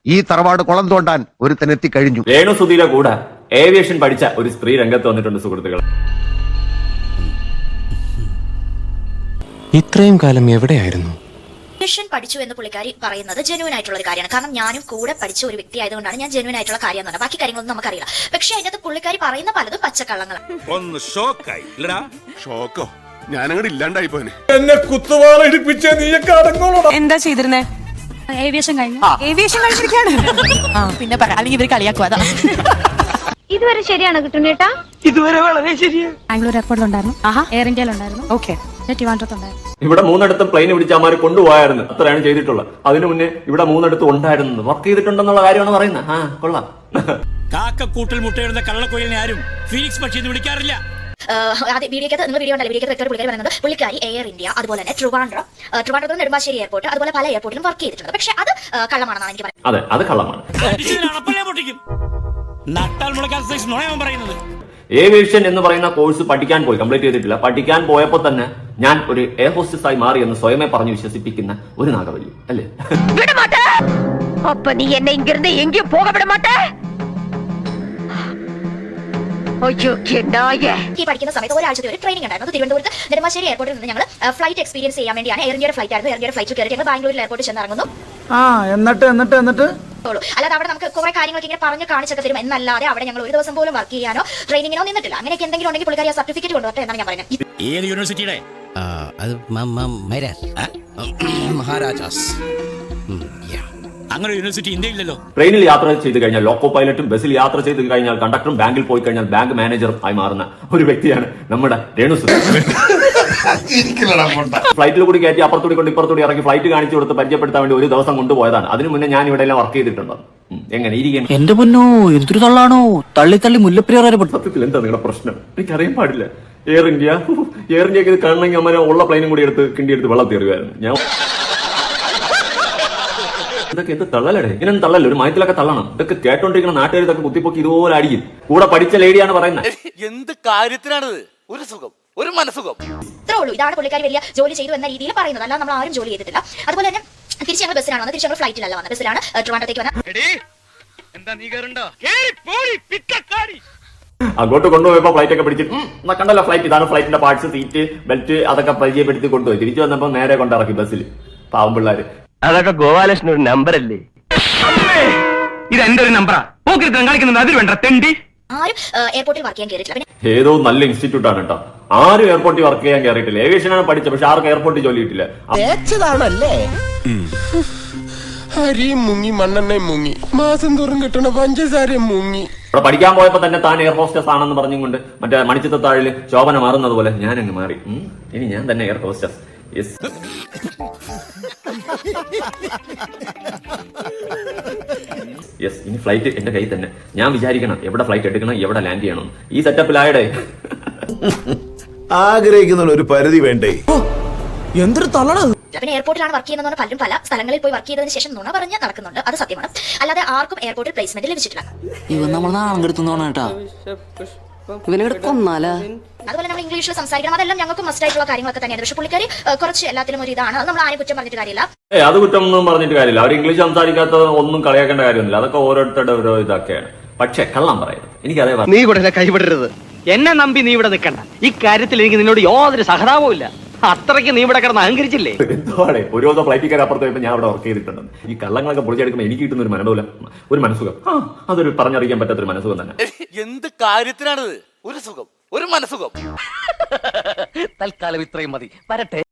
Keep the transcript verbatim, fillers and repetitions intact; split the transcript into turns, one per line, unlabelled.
ഈ തറവാട് കുളം തോണ്ടാൻ ഒരുത്തനെത്തി കഴിഞ്ഞു.
രേണു സുധീര കൂടെ ഏവിയേഷൻ പഠിച്ച ഒരു സ്ത്രീ രംഗത്ത് വന്നിട്ടുണ്ട് സുഹൃത്തുക്കൾ.
ഇത്രയും കാലം എവിടെയായിരുന്നു?
ഏവിയേഷൻ പഠിച്ചു എന്ന് പുള്ളിക്കാരി പറയുന്നത് ജെന്യൂൻ ആയിട്ടുള്ള ഒരു കാര്യമാണ്. കാരണം ഞാനും കൂടെ പഠിച്ച ഒരു വ്യക്തി ആയതുകൊണ്ടാണ് ഞാൻ ജെന്യൂൻ ആയിട്ടുള്ള കാര്യം എന്ന് പറഞ്ഞത്. ബാക്കി കാര്യങ്ങളൊന്നും നമുക്കറിയില്ല. പക്ഷെ അതിനകത്ത് പുള്ളിക്കാരി പറയുന്ന പലതും പച്ചക്കള്ളങ്ങളാണ്.
ഒന്ന് ഷോക്കായി ഷോക്കോ ഞാനങ്ങോട്ട് ഇല്ലാണ്ടായി പോനെ.
എന്നെ കുത്തുവാള ഇടിപ്പിച്ച നീയൊക്കെ അടങ്ങോളൂ.
എന്താ ചെയ്തിരുന്നേ?
ഏവിയേഷൻ കഴിഞ്ഞു.
ഏവിയേഷൻ കഴിഞ്ഞിരിക്കാണ്.
പിന്നെ പറയാം, അല്ലെങ്കിൽ ഇവർ കളിയാക്കുക. അതാ
ഇതുവരെ ശരിയാണ് കിട്ടുന്നേട്ടാ?
ഇതുവരെ വളരെ ശരിയാണ്.
ബാംഗ്ലൂർ എയർപോർട്ടിലുണ്ടായിരുന്നു, എയർ ഇന്ത്യയിലുണ്ടായിരുന്നു,
ഓക്കെ,
ട്രിവാൻഡ്രത്തുണ്ടായിരുന്നു.
ഇവിടെ മൂന്നിടത്തും പ്ലെയിൻ പിടിച്ച് അമാര് കൊണ്ടുപോയായിരുന്നു. അത്രയാണ് ചെയ്തിട്ടുള്ളത്. അതിനു മുന്നേ ഇവിടെ മൂന്നിടത്തും ഉണ്ടായിരുന്നു. വർക്ക് ചെയ്തിട്ടുണ്ടെന്നുള്ള കാര്യമാണ് പറയുന്നത്. ആ കൊള്ളാം.
കാക്കക്കൂട്ടിൽ മുട്ടയിടുന്ന കള്ളക്കൊയിലിനെ ആരും ഫീനിക്സ് പക്ഷി എന്ന് വിളിക്കാറില്ല.
വീഡിയോക്കകത്ത് നിങ്ങൾ വീഡിയോ ഉണ്ടല്ലോ, വീഡിയോ പുള്ളിക്കാരി പറയുന്നത് പുള്ളിക്കാരി എയർ ഇന്ത്യ, അതുപോലെ തന്നെ ട്രിവാൻഡ്രം, ട്രിവാൻഡ്രം നെടുമ്പാശ്ശേരി എയർപോർട്ട്, അതുപോലെ പല എയർപോർട്ടിലും വർക്ക് ചെയ്തിട്ടുണ്ട്. പക്ഷെ അത് കള്ളമാണെന്നാണ് എനിക്ക് പറയുന്നത്.
അതെ, അത് കള്ളമാണ്.
നട്ടാൽ മുളക്കാൻ പറയുന്നത്.
ഏവിയേഷൻ എന്ന് പറയുന്ന കോഴ്സ് പഠിക്കാൻ പോയി, കംപ്ലീറ്റ് ചെയ്തിട്ടില്ല. പഠിക്കാൻ പോയപ്പോ തന്നെ ഞാൻ ഒരു എയർ ഹോസ്റ്റസ് ആയി മാറി എന്ന് സ്വയമേ പറഞ്ഞ് വിശ്വസിപ്പിക്കുന്ന ഒരു നാഗവല്ലി അല്ലേ?
അപ്പൊ നീ എന്നെ ഇങ്ങിരുന്ന് എങ്കിലും പോക വിട മാട്ടേ.
ഈ പഠിക്കുന്ന സമയത്ത് ഒരാഴ്ചത്തെ ഒരു ട്രെയിനിങ് ഉണ്ടായിരുന്നു. തിരുവനന്തപുരത്ത് നെടുമ്പാശ്ശേരി എയർപോർട്ടിൽ നിന്ന് ഞങ്ങൾ ഫ്ലൈറ്റ് എക്സ്പീരിയൻസ് ചെയ്യാൻ വേണ്ടിയാണ്. എയർ ഇന്ത്യയുടെ ഫ്ലൈറ്റ് ആയിരുന്നു. എയർ ഇന്ത്യയുടെ ഫ്ലൈറ്റ് കയറി ഞങ്ങൾ ബാംഗ്ലൂരിൽ എയർപോർട്ടിൽ ചെന്നിറങ്ങുന്നു.
എന്നിട്ട് എന്നിട്ട് എന്നിട്ട്
അല്ലാതെ അവിടെ നമുക്ക് കുറെ കാര്യങ്ങളൊക്കെ ഇങ്ങനെ പറഞ്ഞ് കാണിച്ചൊക്കെ തരും എന്നല്ലാതെ അവിടെ ഞങ്ങൾ ഒരു ദിവസം പോലും വർക്ക് ചെയ്യാനോ ട്രെയിനിങ്ങിനോ നിന്നിട്ടില്ല. അങ്ങനെയൊക്കെ എന്തെങ്കിലും ഉണ്ടെങ്കിൽ പുള്ളിക്കാരി ആ സർട്ടിഫിക്കറ്റ് കൊണ്ടുവരട്ടെ എന്നാണ് ഞാൻ പറയുന്നത്.
ഏത് യൂണിവേഴ്സിറ്റിയുടെ?
മഹാരാജാസ്.
അങ്ങനെ യൂണിവേഴ്സിറ്റി ഇന്ത്യയില്ലല്ലോ.
ട്രെയിനിൽ യാത്ര ചെയ്ത് കഴിഞ്ഞാൽ ലോക്കോ പൈലറ്റും, ബസ്സിൽ യാത്ര ചെയ്ത് കഴിഞ്ഞാൽ കണ്ടക്ടറും, ബാങ്കിൽ പോയി കഴിഞ്ഞാൽ ബാങ്ക് മാനേജറും ആയി മാറുന്ന ഒരു വ്യക്തിയാണ് നമ്മുടെ രേണു സുധീര. ഫ്ലൈറ്റിൽ കൂടി കയറ്റി അപ്പുറത്തൂടി കൊണ്ട് ഇപ്പുറത്തൂടി ഇറങ്ങി ഫ്ലൈറ്റ് കാണിച്ചു കൊടുത്ത് പരിചയപ്പെടുത്താൻ വേണ്ടി ഒരു ദിവസം കൊണ്ടുപോയതാണ്. അതിനു മുന്നേ ഞാൻ ഇവിടെ എല്ലാം വർക്ക് ചെയ്തിട്ടുണ്ട്. എങ്ങനെ ഇരിക്കുന്നു?
എന്റെ പൊന്നോ, എന്തൊരു തള്ളാണോ! തള്ളി തള്ളി മുല്ലപ്പെരിയാർ.
സത്യത്തിൽ എന്താ നിങ്ങളുടെ പ്രശ്നം? എനിക്കറിയാൻ പാടില്ല. എയർ ഇന്ത്യ എയർ ഇന്ത്യക്ക് ഇത് കാണണമെങ്കിൽ അമ്മ ഉള്ള പ്ലെയിനും കൂടി എടുത്ത് കിണ്ടി എടുത്ത് വെള്ളം തീരുമായിരുന്നു. ഞാൻ ഇതൊക്കെ എന്ത് തള്ളലടേ? ഇങ്ങനെ തള്ളല്ല, ഒരു മയത്തിലൊക്കെ തള്ളണം. ഇതൊക്കെ കേട്ടോണ്ടിരിക്കുന്ന നാട്ടുകാർ ഇതൊക്കെ കുത്തിപ്പൊക്കി ഇതുപോലെ അടിക്കും. കൂടെ പഠിച്ച ലേഡിയാണ് പറയുന്നത്.
എന്ത് കാര്യത്തിനാണിത്? ഒരു സുഖം, ഒരു മനസുഖം.
ഇത്രേ ഉള്ളൂ. ഇതാണ് പുള്ളിക്കാരി വലിയ ജോലി ചെയ്തു എന്ന രീതിയിൽ പറയുന്നത്. അല്ലാതെ നമ്മൾ ആരും ജോലി ചെയ്തിട്ടില്ല. അതുപോലെ തന്നെ തിരിച്ച് ഞങ്ങൾ ബസ്സിലാണ് വന്നത്. തിരിച്ച് ഞങ്ങൾ ഫ്ലൈറ്റിലല്ല വന്നത്, ബസ്സിലാണ് ട്രിവാൻഡ്രത്തേക്ക് വന്നത്.
അങ്ങോട്ട് കൊണ്ടുപോയപ്പോ ഫ്ലൈറ്റ് ഒക്കെ പിടിച്ചിട്ട് കണ്ടല്ലോ, ഫ്ലൈറ്റ് ഇതാണ്, ഫ്ലൈറ്റിന്റെ പാർട്സ്, സീറ്റ്, ബെൽറ്റ് അതൊക്കെ പരിചയപ്പെടുത്തി കൊണ്ടുപോയി. തിരിച്ചു വന്നപ്പോ നേരെ കൊണ്ടിറക്കി ബസ്സിൽ. പാവം പിള്ളേര്.
അതൊക്കെ ഗോപാലകൃഷ്ണൻ ഒരു നമ്പർ അല്ലേ? ഇത് എന്റെ ഒരു നമ്പറാ. കളിക്കുന്നത് അതിൽ വേണ്ട തെണ്ടി.
ആരും എയർപോർട്ടിൽ വർക്ക് ചെയ്യാൻ കയറിയിട്ടില്ല.
ഏതോ നല്ല ഇൻസ്റ്റിറ്റ്യൂട്ട് ആണ് കേട്ടോ. ആരും എയർപോർട്ടിൽ വർക്ക് ചെയ്യാൻ കയറിയിട്ടില്ല. ഏവിയേഷനാണ് പഠിച്ചത്, പക്ഷെ ആർക്കും എയർപോർട്ടിൽ ജോലി കിട്ടില്ല.
അരിയും മുങ്ങി, മണ്ണെണ്ണയും മുങ്ങി, മാസം തോറും കിട്ടണ പഞ്ചസാരയും മുങ്ങി.
അവിടെ പഠിക്കാൻ പോയപ്പോ തന്നെ താൻ എയർ ഹോസ്റ്റസ് ആണെന്ന് പറഞ്ഞുകൊണ്ട് മറ്റേ മണിച്ചിത്രത്താഴില് ശോഭന മാറുന്നത് പോലെ ഞാൻ അങ്ങ് മാറി. ഇനി ഞാൻ തന്നെ എയർ ഹോസ്റ്റസ്. യെസ്. യെസ്, ഇനി ഫ്ലൈറ്റ് എന്റെ കയ്യിൽ തന്നെ. ഞാൻ വിചാരിക്കണം എവിടെ ഫ്ലൈറ്റ് എടുക്കണം, എവിടെ ലാൻഡ് ചെയ്യണം. ഈ സെറ്റപ്പിലായടേ.
ആഗ്രഹിക്കുന്ന ഒരു പരിധി വേണ്ടേ?
എന്തൊരു തള്ളണത്!
പിന്നെ എയർപോർട്ടിലാണ് വർക്ക് ചെയ്യുന്നത്. പലരും പല സ്ഥലങ്ങളിൽ പോയി വർക്ക് ചെയ്തതിനു ശേഷം നുണ പറഞ്ഞ് നടക്കുന്നുണ്ട്. അത് സത്യമാണ്. അല്ലാതെ ആർക്കും എയർപോർട്ടിൽ പ്ലേസ്മെന്റ് ലഭിച്ചിട്ടില്ല.
ഇവൻ നമ്മൾ നാണം കെടുത്തുന്നോണ കേട്ടാ. ഇവനെ കൊന്നാലാ.
അതുപോലെ നമ്മൾ ഇംഗ്ലീഷിൽ സംസാരിക്കണം. അതെല്ലാം ഞങ്ങൾക്ക് മസ്റ്റ് ആയിട്ടുള്ള കാര്യങ്ങളൊക്കെ തന്നെയാണ്. പക്ഷെ പുള്ളിക്കാരി കുറച്ച് എല്ലാത്തിലും ഒരു ഇതാണ്. അത് നമ്മൾ ആരും കുറ്റം പറഞ്ഞിട്ട് കാര്യമില്ല.
ഏ അത് കുറ്റം ഒന്നും പറഞ്ഞിട്ട് കാര്യമില്ല. അവർ ഇംഗ്ലീഷ് സംസാരിക്കാത്ത ഒന്നും കളിയാക്കേണ്ട കാര്യമൊന്നുമില്ല. അതൊക്കെ ഓരോരുത്തരുടെ ഓരോ ഇതൊക്കെയാണ്. പക്ഷെ കള്ളം പറയുന്നത് എനിക്കതേ പറഞ്ഞു.
നീ ഇവിടെ കൈവിടരുത്. എന്നെ നമ്പി നീ ഇവിടെ നിൽക്കണ്ട. ഈ കാര്യത്തിൽ എനിക്ക് നിന്നോട് യാതൊരു സഹതാപവും ഇല്ല. അത്രയ്ക്ക് നീ ഇവിടെ കിടന്ന് അഹങ്കരിച്ചില്ലേ?
എന്തുവാണേ, ഒരു ദിവസം ഫ്ലൈറ്റിൽ കയറി അപ്പുറത്ത് പോയപ്പോൾ ഞാൻ അവിടെ വർക്ക് ചെയ്തിട്ടുണ്ട്. ഈ കള്ളങ്ങളൊക്കെ പൊളിച്ചെടുക്കുമ്പോൾ എനിക്ക് കിട്ടുന്ന ഒരു മനോല ഒരു മനസുഖം. ആ അതൊരു പറഞ്ഞറിയിക്കാൻ പറ്റാത്തൊരു മനസുഖം തന്നെ.
എന്ത് കാര്യത്തിനാണിത്? ഒരു സുഖം, ഒരു മനസുഖം.
തൽക്കാലം ഇത്രയും മതി. വരട്ടെ.